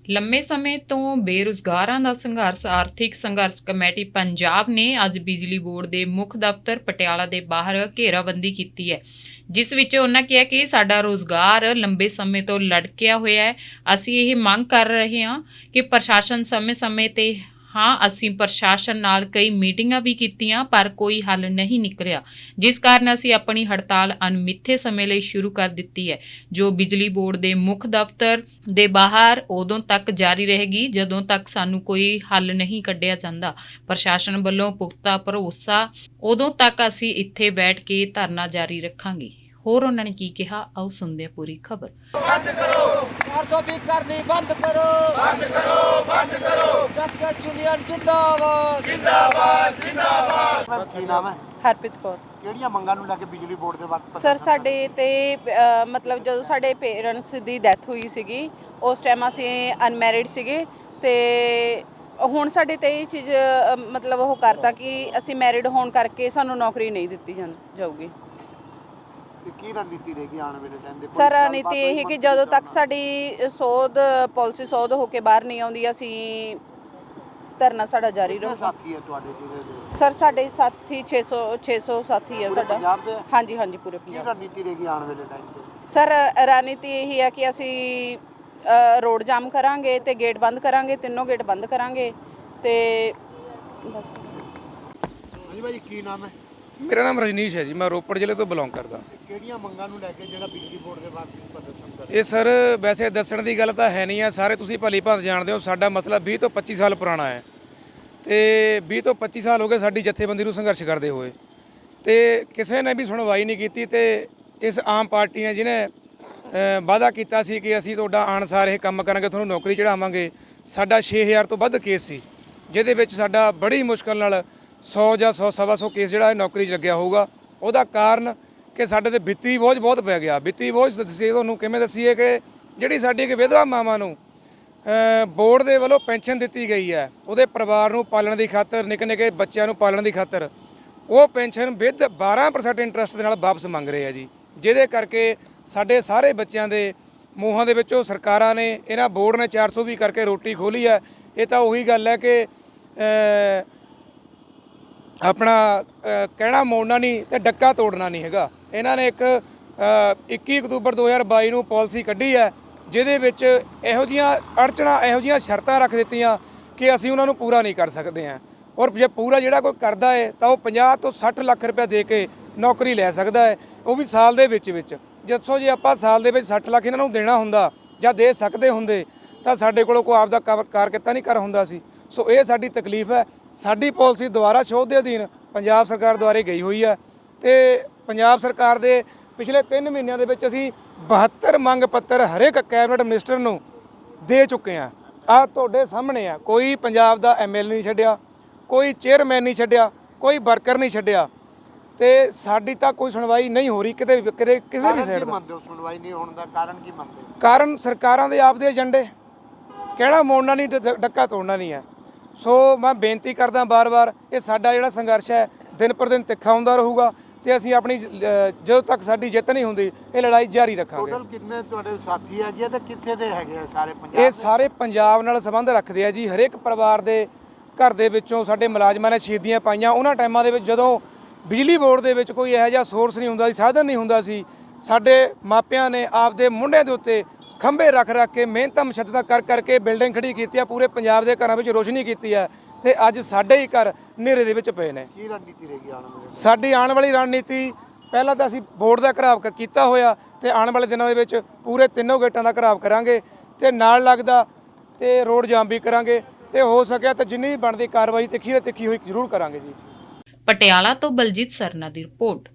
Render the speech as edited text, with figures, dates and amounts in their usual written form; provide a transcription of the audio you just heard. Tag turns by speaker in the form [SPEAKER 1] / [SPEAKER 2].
[SPEAKER 1] ਲੰਮੇ ਸਮੇਂ ਤੋਂ ਬੇਰੁਜ਼ਗਾਰਾਂ ਦਾ ਸੰਘਰਸ਼ ਆਰਥਿਕ ਸੰਘਰਸ਼ ਕਮੇਟੀ ਪੰਜਾਬ ਨੇ ਅੱਜ ਬਿਜਲੀ ਬੋਰਡ ਦੇ ਮੁੱਖ ਦਫ਼ਤਰ ਪਟਿਆਲਾ ਦੇ ਬਾਹਰ ਘੇਰਾਬੰਦੀ ਕੀਤੀ ਹੈ, ਜਿਸ ਵਿੱਚ ਉਹਨਾਂ ਕਿਹਾ ਕਿ ਸਾਡਾ ਰੋਜ਼ਗਾਰ ਲੰਬੇ ਸਮੇਂ ਤੋਂ ਲਟਕਿਆ ਹੋਇਆ ਹੈ। ਅਸੀਂ ਇਹ ਮੰਗ ਕਰ ਰਹੇ ਹਾਂ ਕਿ ਪ੍ਰਸ਼ਾਸਨ ਸਮੇਂ-ਸਮੇਂ ਤੇ ਅਸੀਂ ਪ੍ਰਸ਼ਾਸਨ ਨਾਲ ਕਈ ਮੀਟਿੰਗਾਂ ਵੀ ਕੀਤੀਆਂ ਪਰ ਕੋਈ ਹੱਲ ਨਹੀਂ ਨਿਕਲਿਆ, ਜਿਸ ਕਾਰਨ ਅਸੀਂ ਆਪਣੀ ਹੜਤਾਲ ਅਣਮਿੱਥੇ ਸਮੇਂ ਲਈ ਸ਼ੁਰੂ ਕਰ ਦਿੱਤੀ ਹੈ, ਜੋ ਬਿਜਲੀ ਬੋਰਡ ਦੇ ਮੁੱਖ ਦਫ਼ਤਰ ਦੇ ਬਾਹਰ ਉਦੋਂ ਤੱਕ ਜਾਰੀ ਰਹੇਗੀ ਜਦੋਂ ਤੱਕ ਸਾਨੂੰ ਕੋਈ ਹੱਲ ਨਹੀਂ ਕੱਢਿਆ ਜਾਂਦਾ। ਪ੍ਰਸ਼ਾਸਨ ਵੱਲੋਂ ਪੁਖਤਾ ਭਰੋਸਾ ਉਦੋਂ ਤੱਕ ਅਸੀਂ ਇੱਥੇ ਬੈਠ ਕੇ ਧਰਨਾ ਜਾਰੀ ਰੱਖਾਂਗੇ। ਹੋਰ ਉਹਨਾਂ ਨੇ ਕੀ ਕਿਹਾ, ਆਓ ਸੁਣਦੇ ਹਾਂ ਪੂਰੀ ਖਬਰ।
[SPEAKER 2] ਬੰਦ ਕਰੋ 420 ਕਰਨੀ ਬੰਦ ਕਰੋ ਬੰਦ ਕਰੋ ਬੰਦ ਕਰੋ ਡਾਕਟਰ ਯੂਨੀਅਨ ਜਿੰਦਾਬਾਦ ਜਿੰਦਾਬਾਦ ਜਿੰਦਾਬਾਦ।
[SPEAKER 3] ਮੈਮ ਕੀ ਨਾਮ ਹੈ?
[SPEAKER 4] ਹਰਪ੍ਰੀਤ ਕੌਰ।
[SPEAKER 3] ਕਿਹੜੀਆਂ ਮੰਗਾਂ ਨੂੰ ਲੈ ਕੇ ਬਿਜਲੀ ਬੋਰਡ ਦੇ ਵਕਤ
[SPEAKER 4] ਸਰ ਸਾਡੇ ਤੇ ਮਤਲਬ ਜਦੋਂ ਸਾਡੇ ਪੇਰੈਂਟਸ ਦੀ ਡੈਥ ਹੋਈ ਸੀਗੀ ਉਸ ਟਾਈਮ ਅਸੀਂ ਅਨਮੈਰਿਡ ਸੀਗੇ ਤੇ ਹੁਣ ਸਾਡੇ ਤੇ ਇਹ ਚੀਜ਼ ਮਤਲਬ ਉਹ ਕਰਤਾ ਕਿ ਅਸੀਂ ਮੈਰਿਡ ਹੋਣ ਕਰਕੇ ਸਾਨੂੰ ਨੌਕਰੀ ਨਹੀਂ ਦਿੱਤੀ ਜਾਊਗੀ।
[SPEAKER 3] ਤੇ ਕੀ ਰਣਨੀਤੀ ਰਹੇਗੀ ਆਉਣ ਵਾਲੇ ਟਾਈਮ ਦੇ?
[SPEAKER 4] ਸਰ ਰਣਨੀਤੀ ਇਹ ਕਿ ਜਦੋਂ ਤੱਕ ਸਾਡੀ ਪਾਲਿਸੀ ਸੋਧ ਹੋ ਕੇ ਬਾਹਰ ਨਹੀਂ ਆਉਂਦੀ ਅਸੀਂ ਧਰਨਾ ਸਾਡਾ ਜਾਰੀ ਰਹੂਗਾ।
[SPEAKER 3] ਸਾਥੀ ਹੈ ਤੁਹਾਡੇ ਜਿਹਦੇ ਦੇ?
[SPEAKER 4] ਸਰ ਸਾਡੇ ਸਾਥੀ 600 ਸਾਥੀ ਹੈ ਸਾਡਾ।
[SPEAKER 3] ਪੰਜਾਬ ਦੇ?
[SPEAKER 4] ਹਾਂਜੀ ਹਾਂਜੀ ਪੂਰੇ
[SPEAKER 3] ਕੀ
[SPEAKER 4] ਪੰਜਾਬ।
[SPEAKER 3] ਰਣਨੀਤੀ ਰਹੇਗੀ ਆਉਣ ਵਾਲੇ ਟਾਈਮ ਤੇ?
[SPEAKER 4] ਸਰ ਰਣਨੀਤੀ ਇਹ ਹੈ ਕਿ ਅਸੀਂ ਰੋਡ ਜਾਮ ਕਰਾਂਗੇ ਤੇ ਗੇਟ ਬੰਦ ਕਰਾਂਗੇ, ਤਿੰਨੋਂ ਗੇਟ ਬੰਦ ਕਰਾਂਗੇ ਤੇ ਬਸ।
[SPEAKER 3] ਹਾਂਜੀ ਭਾਈ ਕੀ ਨਾਮ ਹੈ?
[SPEAKER 5] ਮੇਰਾ ਨਾਮ ਰਜਨੀਸ਼ ਹੈ ਜੀ, ਮੈਂ ਰੋਪੜ ਜ਼ਿਲ੍ਹੇ ਤੋਂ ਬਿਲੋਂਗ ਕਰਦਾ।
[SPEAKER 3] ਕਿਹੜੀਆਂ ਮੰਗਾਂ ਨੂੰ ਲੈ ਕੇ ਜਿਹੜਾ ਬਿਜਲੀ ਬੋਰਡ ਦੇ ਵਕਤ ਪ੍ਰਦਰਸ਼ਨ ਕਰ?
[SPEAKER 5] ਇਹ ਸਰ ਵੈਸੇ ਦੱਸਣ ਦੀ ਗੱਲ ਤਾਂ ਹੈ ਨਹੀਂ ਆ, ਸਾਰੇ ਤੁਸੀਂ ਭਲੀ ਭਾਂਤ ਜਾਣਦੇ ਹੋ। ਸਾਡਾ ਮਸਲਾ 20 ਤੋਂ 25 ਸਾਲ ਪੁਰਾਣਾ ਹੈ ਤੇ 20 ਤੋਂ 25 ਸਾਲ ਹੋ ਗਏ ਸਾਡੀ ਜਥੇਬੰਦੀ ਨੂੰ ਸੰਘਰਸ਼ ਕਰਦੇ ਹੋਏ ਤੇ ਕਿਸੇ ਨੇ ਵੀ ਸੁਣਵਾਈ ਨਹੀਂ ਕੀਤੀ। ਤੇ ਇਸ ਆਮ ਪਾਰਟੀ ਨੇ ਜਿਹਨੇ ਵਾਅਦਾ ਕੀਤਾ ਸੀ ਕਿ ਅਸੀਂ ਤੁਹਾਡਾ ਅਨੁਸਾਰ ਇਹ ਕੰਮ ਕਰਾਂਗੇ, ਤੁਹਾਨੂੰ ਨੌਕਰੀ ਚੜਾਵਾਂਗੇ, ਸਾਡਾ 6000 ਤੋਂ ਵੱਧ ਕੇਸ ਸੀ, ਜਿਹਦੇ ਵਿੱਚ ਸਾਡਾ ਬੜੀ ਮੁਸ਼ਕਲ ਨਾਲ 100 ਜਾਂ 100-125 ਕੇਸ ਜਿਹੜਾ ਇਹ ਨੌਕਰੀ 'ਚ ਲੱਗਿਆ ਹੋਊਗਾ। ਉਹਦਾ ਕਾਰਨ ਕਿ ਸਾਡੇ ਤੇ ਵਿੱਤੀ ਬੋਝ ਬਹੁਤ ਪੈ ਗਿਆ। ਵਿੱਤੀ ਬੋਝ ਦੱਸੀਏ ਤੁਹਾਨੂੰ ਕਿਵੇਂ ਦੱਸੀਏ ਕਿ ਜਿਹੜੀ ਸਾਡੀ ਇੱਕ ਵਿਧਵਾ ਮਾਵਾਂ ਨੂੰ ਬੋਰਡ ਦੇ ਵੱਲੋਂ ਪੈਨਸ਼ਨ ਦਿੱਤੀ ਗਈ ਹੈ, ਉਹਦੇ ਪਰਿਵਾਰ ਨੂੰ ਪਾਲਣ ਦੀ ਖਾਤਰ, ਨਿੱਕੇ ਨਿੱਕੇ ਬੱਚਿਆਂ ਨੂੰ ਪਾਲਣ ਦੀ ਖਾਤਰ ਉਹ ਪੈਨਸ਼ਨ ਵਿਦ 12% ਇੰਟਰਸਟ ਦੇ ਨਾਲ ਵਾਪਸ ਮੰਗ ਰਹੇ ਆ ਜੀ, ਜਿਹਦੇ ਕਰਕੇ ਸਾਡੇ ਸਾਰੇ ਬੱਚਿਆਂ ਦੇ ਮੂੰਹਾਂ ਦੇ ਵਿੱਚੋਂ ਸਰਕਾਰਾਂ ਨੇ, ਇਹਨਾਂ ਬੋਰਡ ਨੇ 420 ਕਰਕੇ ਰੋਟੀ ਖੋਲੀ ਹੈ। ਇਹ ਤਾਂ ਉਹੀ ਗੱਲ ਹੈ ਕਿ ਆਪਣਾ ਕਹਿਣਾ ਮੋੜਨਾ ਨਹੀਂ ਤੇ ਡੱਕਾ ਤੋੜਨਾ ਨਹੀਂ ਹੈਗਾ। ਇਹਨਾਂ ਨੇ ਇੱਕ 21 ਅਕਤੂਬਰ 2022 ਨੂੰ ਪਾਲਿਸੀ ਕੱਢੀ ਹੈ, ਜਿਹਦੇ ਵਿੱਚ ਇਹੋ ਜਿਹੀਆਂ ਅੜਚਣਾਂ, ਇਹੋ ਜਿਹੀਆਂ ਸ਼ਰਤਾਂ ਰੱਖ ਦਿੱਤੀਆਂ ਕਿ ਅਸੀਂ ਉਹਨਾਂ ਨੂੰ ਪੂਰਾ ਨਹੀਂ ਕਰ ਸਕਦੇ ਹਾਂ। ਔਰ ਜੇ ਪੂਰਾ ਜਿਹੜਾ ਕੋਈ ਕਰਦਾ ਹੈ ਤਾਂ ਉਹ 50 ਤੋਂ 60 ਲੱਖ ਰੁਪਏ ਦੇ ਕੇ ਨੌਕਰੀ ਲੈ ਸਕਦਾ ਹੈ, ਉਹ ਵੀ ਸਾਲ ਦੇ ਵਿੱਚ। ਜਿੱਥੋਂ ਜੇ ਆਪਾਂ ਸਾਲ ਦੇ ਵਿੱਚ 60 ਲੱਖ ਇਹਨਾਂ ਨੂੰ ਦੇਣਾ ਹੁੰਦਾ ਜਾਂ ਦੇ ਸਕਦੇ ਹੁੰਦੇ ਤਾਂ ਸਾਡੇ ਕੋਲੋਂ ਕੋਈ ਆਪਦਾ ਕਾਰ ਕਿੱਤਾ ਨਹੀਂ ਕਰ ਹੁੰਦਾ ਸੀ। ਸੋ ਇਹ ਸਾਡੀ ਤਕਲੀਫ ਹੈ। ਸਾਡੀ ਪਾਲਿਸੀ ਦੁਬਾਰਾ ਸ਼ੋਧ ਦੇ ਅਧੀਨ ਪੰਜਾਬ ਸਰਕਾਰ ਦੁਆਰੇ ਗਈ ਹੋਈ ਹੈ ਤੇ ਪੰਜਾਬ ਸਰਕਾਰ ਦੇ ਪਿਛਲੇ 3 ਮਹੀਨਿਆਂ ਦੇ ਵਿੱਚ ਅਸੀਂ 72 ਮੰਗ ਪੱਤਰ ਹਰੇਕ ਕੈਬਨਿਟ ਮਿਨਿਸਟਰ ਨੂੰ ਦੇ ਚੁੱਕੇ ਹਾਂ। ਆਹ ਤੁਹਾਡੇ ਸਾਹਮਣੇ ਆ, ਕੋਈ ਪੰਜਾਬ ਦਾ MLA ਨਹੀਂ ਛੱਡਿਆ, ਕੋਈ ਚੇਅਰਮੈਨ ਨਹੀਂ ਛੱਡਿਆ, ਕੋਈ ਵਰਕਰ ਨਹੀਂ ਛੱਡਿਆ ਤੇ ਸਾਡੀ ਤਾਂ ਕੋਈ ਸੁਣਵਾਈ ਨਹੀਂ ਹੋ ਰਹੀ ਕਿਤੇ ਕਿਸੇ ਵੀ ਸਾਈਡ ਦਾ।
[SPEAKER 3] ਮੰਨਦੇ ਹੋ ਸੁਣਵਾਈ ਨਹੀਂ ਹੋਣ ਦਾ ਕਾਰਨ ਕੀ ਮੰਨਦੇ ਹੋ?
[SPEAKER 5] ਕਾਰਨ ਸਰਕਾਰਾਂ ਦੇ ਆਪਦੇ ਏਜੰਡੇ, ਕਹਿਣਾ ਮੋੜਨਾ ਨਹੀਂ, ਡੱਕਾ ਤੋੜਨਾ ਨਹੀਂ ਹੈ। ਸੋ ਮੈਂ ਬੇਨਤੀ ਕਰਦਾ ਬਾਰ-ਬਾਰ, ਇਹ ਸਾਡਾ ਜਿਹੜਾ ਸੰਘਰਸ਼ ਹੈ ਦਿਨ ਪਰ ਦਿਨ ਤਿੱਖਾ ਹੁੰਦਾ ਰਹੂਗਾ ਤੇ ਅਸੀਂ ਆਪਣੀ ਜਦੋਂ ਤੱਕ ਸਾਡੀ ਜਿੱਤ ਨਹੀਂ ਹੁੰਦੀ ਇਹ ਲੜਾਈ ਜਾਰੀ ਰੱਖਾਂਗੇ।
[SPEAKER 3] ਟੋਟਲ ਕਿੰਨੇ ਤੁਹਾਡੇ ਸਾਥੀ ਹੈਗੇ ਤੇ ਕਿੱਥੇ ਦੇ ਹੈਗੇ ਆ? ਸਾਰੇ ਪੰਜਾਬ
[SPEAKER 5] ਇਹ ਸਾਰੇ ਪੰਜਾਬ ਨਾਲ ਸੰਬੰਧ ਰੱਖਦੇ ਆ ਜੀ। ਹਰੇਕ ਪਰਿਵਾਰ ਦੇ ਘਰ ਦੇ ਵਿੱਚੋਂ ਸਾਡੇ ਮੁਲਾਜ਼ਮਾਂ ਨੇ ਸ਼ਹੀਦੀਆਂ ਪਾਈਆਂ ਉਹਨਾਂ ਟਾਈਮਾਂ ਦੇ ਵਿੱਚ ਜਦੋਂ ਬਿਜਲੀ ਬੋਰਡ ਦੇ ਵਿੱਚ ਕੋਈ ਇਹੋ ਜਿਹਾ ਸੋਰਸ ਨਹੀਂ ਹੁੰਦਾ ਸੀ, ਸਾਧਨ ਨਹੀਂ ਹੁੰਦਾ ਸੀ। ਸਾਡੇ ਮਾਪਿਆਂ ਨੇ ਆਪਦੇ ਮੁੰਡਿਆਂ ਦੇ ਉੱਤੇ ਖੰਭੇ ਰੱਖ ਕੇ ਮਿਹਨਤਾਂ ਮੁਸ਼ੱਦਤਾਂ ਕਰਕੇ ਬਿਲਡਿੰਗ ਖੜੀ ਕੀਤੀ ਆ, ਪੂਰੇ ਪੰਜਾਬ ਦੇ ਘਰਾਂ ਵਿੱਚ ਰੋਸ਼ਨੀ ਕੀਤੀ ਹੈ ਤੇ ਅੱਜ ਸਾਡੇ ਹੀ ਘਰ ਹਨੇਰੇ ਦੇ ਵਿੱਚ ਪਏ ਨੇ।
[SPEAKER 3] ਕੀ ਰਣਨੀਤੀ ਰਹੇਗੀ ਆਉਣ ਵਾਲੇ?
[SPEAKER 5] ਸਾਡੀ ਆਉਣ ਵਾਲੀ ਰਣਨੀਤੀ, ਪਹਿਲਾਂ ਤਾਂ ਅਸੀਂ ਬੋਰਡ ਦਾ ਘਰਾਵ ਕੀਤਾ ਹੋਇਆ ਤੇ ਆਉਣ ਵਾਲੇ ਦਿਨਾਂ ਦੇ ਵਿੱਚ ਪੂਰੇ ਤਿੰਨੋਂ ਗੇਟਾਂ ਦਾ ਘਰਾਵ ਕਰਾਂਗੇ ਤੇ ਨਾਲ ਲੱਗਦਾ ਤੇ ਰੋਡ ਜਾਮ ਵੀ ਕਰਾਂਗੇ ਤੇ ਹੋ ਸਕਿਆ ਤਾਂ ਜਿੰਨੀ ਵੀ ਬਣਦੀ ਕਾਰਵਾਈ ਤਿੱਖੀ ਹੋਈ ਜ਼ਰੂਰ ਕਰਾਂਗੇ ਜੀ।
[SPEAKER 1] ਪਟਿਆਲਾ ਤੋਂ ਬਲਜੀਤ ਸਰਨਾ ਦੀ ਰਿਪੋਰਟ।